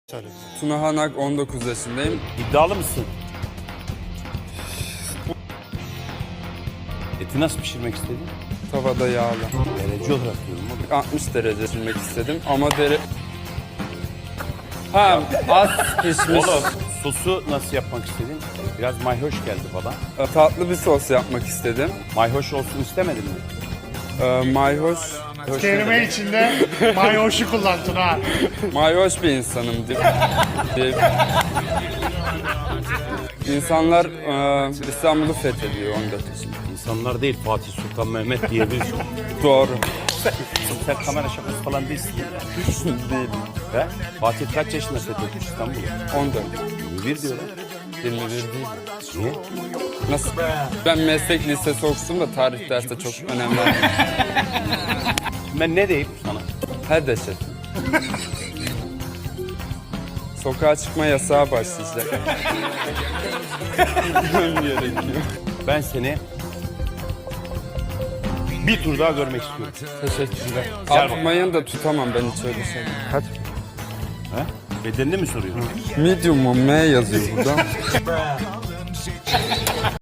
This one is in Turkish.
Tuna Hanak, 19 yaşındayım. İddialı mısın? Eti nasıl pişirmek istedin? Tavada yağlı. Derece olarak diyorum oğlum. 60 derece pişirmek istedim ama Ha, az pişmiş. Oğlum sosu nasıl yapmak istedin? Biraz mayhoş geldi bana. Tatlı bir sos yapmak istedim. Mayhoş olsun istemedin mi? Mayhoş. Kelime içinde mayoşu kullan Tuna. Mayhoş bir insanım. İnsanlar İstanbul'u fethediyor 14 yaşında. İnsanlar değil, Fatih Sultan Mehmet diyebilirsin. Doğru. Sen kamera şakası falan değilsin. Değil. He? Fatih kaç yaşında fethetmiş İstanbul'u? 14. 21 diyorlar. 21 değil. Niye? Nasıl? Ben meslek lisesi okusum da tarih dersi çok önemli. Ben ne diyeyim sana? Her deşet. Sokağa çıkma yasağı başlayacak. Gitmem gerekiyor. Ben seni bir tur daha görmek istiyorum. Teşekkürler. Gel bak. Atmayın da tutamam ben hiç öyle şey. Kaç? He? Bedenini mi soruyorsun? Medium mu? M yazıyor burada.